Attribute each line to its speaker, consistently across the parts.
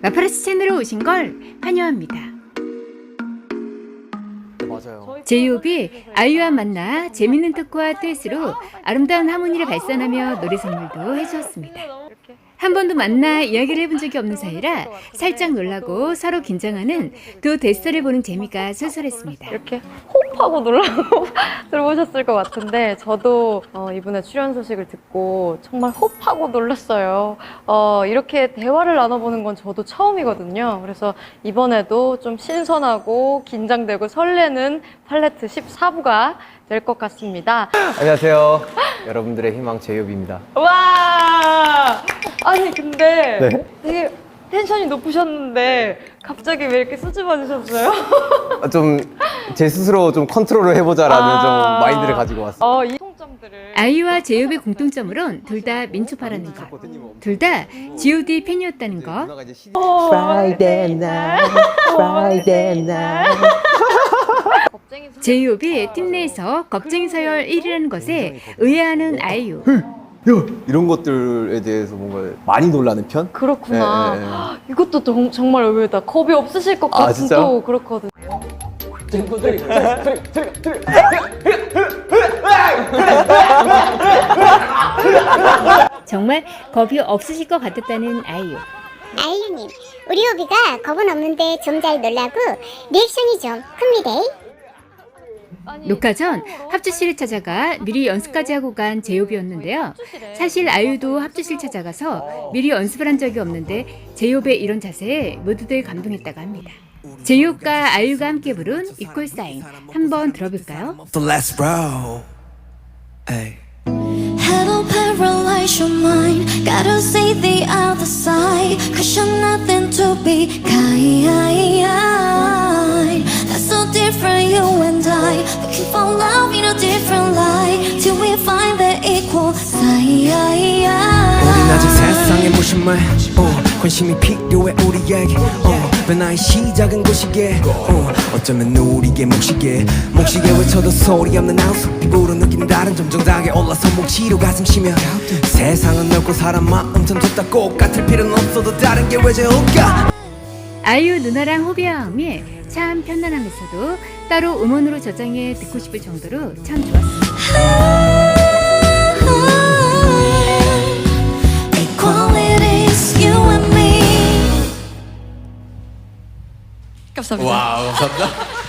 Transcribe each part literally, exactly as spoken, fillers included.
Speaker 1: 마파라치 채널에 오신 걸 환영합니다.
Speaker 2: 맞아요.
Speaker 1: 제이홉이 아이유와 만나 재밌는 토크와 듀엣으로 아름다운 하모니를 발산하며 노래 선물도 해주었습니다. 한 번도 만나 이야기를 해본 적이 없는 사이라 살짝 놀라고 서로 긴장하는 두 데스터를 보는 재미가 쏠쏠했습니다.
Speaker 3: 이렇게 호흡하고 놀라고 들어보셨을 것 같은데 저도 어, 이분의 출연 소식을 듣고 정말 호흡하고 놀랐어요. 어, 이렇게 대화를 나눠보는 건 저도 처음이거든요. 그래서 이번에도 좀 신선하고 긴장되고 설레는 팔레트 십사 부가 될 것 같습니다.
Speaker 2: 안녕하세요. 여러분들의 희망 제이홉입니다.
Speaker 3: 와! 아니 근데
Speaker 2: 네.
Speaker 3: 되게 텐션이 높으셨는데 갑자기 왜 이렇게 수줍어지셨어요?
Speaker 2: 좀 제 스스로 좀 컨트롤을 해보자라는
Speaker 3: 아.
Speaker 2: 좀 마인드를 가지고 왔어요.
Speaker 3: 어, 이 통점들을
Speaker 1: 아이유와 제이홉의 공통점으론 둘 다 민초파라는 것, 둘 다 지오디 팬이었다는 것.
Speaker 2: 누나가 이제 시...
Speaker 4: Friday night, Friday night.
Speaker 1: 제이홉이 팀 내에서 겁쟁이 서열 일 위라는 것에 의아해하는 아이유.
Speaker 2: 이런 것들에 대해서 뭔가 많이 놀라는 편?
Speaker 3: 그렇구나.
Speaker 2: 네, 네, 네.
Speaker 3: 이것도 정- 정말 의외다. 겁이 없으실 것
Speaker 2: 아,
Speaker 3: 같은
Speaker 2: 진짜?
Speaker 3: 또 그렇거든요.
Speaker 1: 정말 겁이 없으실 것 같았다는 아이유.
Speaker 5: 아이유님, 우리 오비가 겁은 없는데 좀 잘 놀라고 리액션이 좀 큽니다.
Speaker 1: 녹화 전 합주실을 찾아가 미리 연습까지 하고 간 제이홉이었는데요. 사실 아이유도 합주실 찾아가서 미리 연습을 한 적이 없는데 제이홉의 이런 자세에 모두들 감동했다고 합니다. 제이홉과 아이유가 함께 부른 이퀄 사인 한번 들어볼까요?
Speaker 4: So let's roll. Hey.
Speaker 6: Hello, paralyze your mind. Gotta see the other side. Cause you're nothing to be kind. That's so different, you and I. Looking for love in a different light. Till we find the equal sign.
Speaker 4: 우린 아직 세상에 무심해. 어, 관심이 필요해 우리에게. 어, 변화의 시작은 곳이게. 어, 어쩌면 우리의 몫이게. 몫이게 외쳐도 소리 없는 아우스. 피부로 느끼는 다른 점정당에 올라서 몫이로 가슴 쉬며. 세상은 넓고 사람 마음 전 좁다 꼭 같을 필요는 없어도 다른 게 왜 좋을까.
Speaker 1: 아이유 누나랑 호비아음이 참 편안하면서도 따로 음원으로 저장해 듣고 싶을 정도로 참 좋았습니다.
Speaker 6: Equality's you and me. 감사합니다.
Speaker 4: 와우, 감사합니다.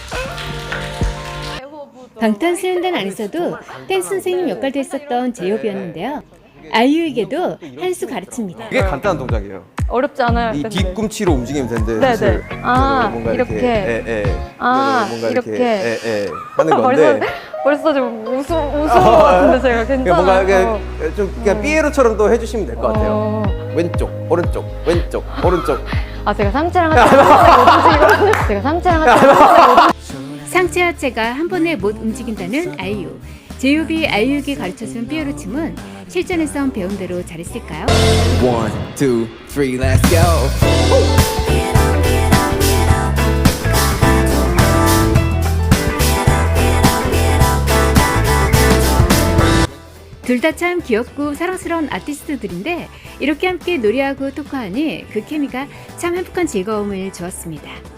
Speaker 1: 방탄소년단 안에서도 댄스 선생님 역할도 했었던 제이홉이었는데요. 아이유에게도 한 수 가르칩니다.
Speaker 2: 이게 간단한 동작이에요.
Speaker 3: 어렵지 않아요?
Speaker 2: 이
Speaker 3: 근데.
Speaker 2: 뒤꿈치로 움직이면 되는데
Speaker 3: 네,
Speaker 2: 사실
Speaker 3: 네. 아,
Speaker 2: 뭔가
Speaker 3: 이렇게.
Speaker 2: 예, 예.
Speaker 3: 아,
Speaker 2: 뭔가
Speaker 3: 이렇게.
Speaker 2: 이렇게 예, 예. 하는
Speaker 3: 벌써
Speaker 2: 건데
Speaker 3: 벌써 좀 우스 우스운 것 같은데 제가
Speaker 2: 그러니까 뭔가
Speaker 3: 괜찮아요.
Speaker 2: 이렇게 좀 그냥 삐에로처럼 또 해주시면 될 것 같아요.
Speaker 3: 어.
Speaker 2: 왼쪽, 오른쪽, 왼쪽, 오른쪽.
Speaker 3: 아 제가 상체랑 하체 못 움직이거든요. 제가 상체랑 하체 못
Speaker 1: 상체 하체가 한 번에 못 움직인다는 아이유. 제이홉이 아이유에게 가르쳐준 삐에로 춤은 실전에서 배운 대로 잘했을까요?
Speaker 4: One, two, three, let's go.
Speaker 1: 둘 다 참 귀엽고 사랑스러운 아티스트들인데 이렇게 함께 노래하고 토크하니 그 케미가 참 행복한 즐거움을 주었습니다.